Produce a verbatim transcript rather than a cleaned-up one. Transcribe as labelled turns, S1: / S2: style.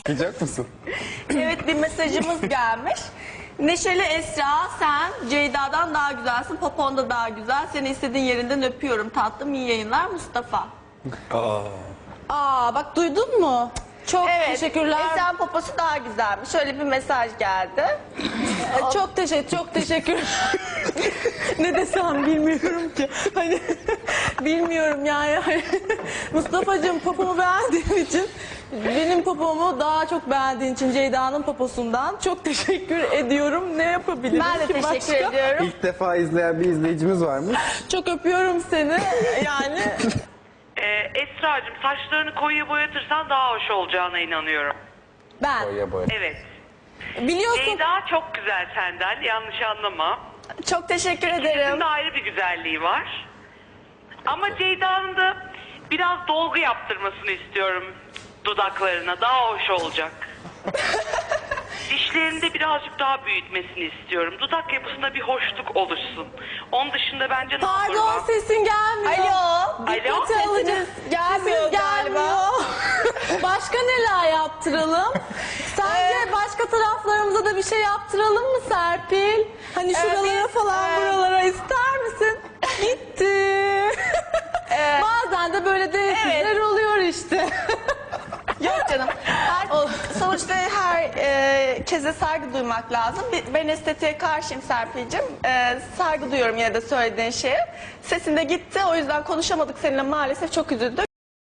S1: Okuyacak mısın?
S2: Evet, bir mesajımız gelmiş. Neşeli Esra, sen Ceyda'dan daha güzelsin, popon da daha güzel. Seni istediğin yerinden öpüyorum tatlım, iyi yayınlar Mustafa.
S1: Aa.
S3: Aa bak duydun mu? Çok
S2: Evet,
S3: teşekkürler.
S2: Esen poposu daha güzelmiş. Şöyle bir mesaj geldi.
S3: Ee, çok teşekkür, çok teşekkür. Ne desem bilmiyorum ki. Hani bilmiyorum yani. Hani, Mustafa'cığım popomu beğendiğin için, benim popomu daha çok beğendiğin için Ceyda'nın poposundan çok teşekkür ediyorum. Ne yapabilirim
S2: Ben de
S3: ki
S2: teşekkür
S3: başka?
S2: ediyorum.
S1: İlk defa izleyen bir izleyicimiz varmış.
S3: Çok öpüyorum seni. Yani
S4: Ee, Esra'cığım saçlarını koyuya boyatırsan daha hoş olacağına inanıyorum.
S3: ben
S1: Boya boya.
S4: Evet.
S3: biliyorsun.
S4: Ceyda çok güzel senden, yanlış anlama.
S2: Çok teşekkür ederim.
S4: İkisinin de ayrı bir güzelliği var. Ama Ceyda'nın da biraz dolgu yaptırmasını istiyorum dudaklarına. Daha hoş olacak. Dişlerini de birazcık daha büyütmesini istiyorum. Dudak yapısında bir hoşluk oluşsun. Onun dışında bence
S3: Pardon
S4: normal.
S3: sesin gelmiyor.
S2: Alo.
S3: Dikkate
S4: Alo?
S3: alacağız.
S2: gelmiyor
S3: Sesin
S2: galiba.
S3: gelmiyor. Başka neler yaptıralım? Sence başka taraflarımıza da bir şey yaptıralım mı Serpil? Hani şuralara
S2: biz,
S3: falan
S2: e,
S3: buralara ister misin? Gitti. Bazen de böyle değişiklikler oluyor işte.
S2: Yok canım. Her, sonuçta her e, keze saygı duymak lazım. Bir- Ben estetiğe karşıyım Serpil'cim. E, saygı duyuyorum yine de söylediğin şeye. Sesin de gitti. O yüzden konuşamadık seninle maalesef. Çok üzüldük.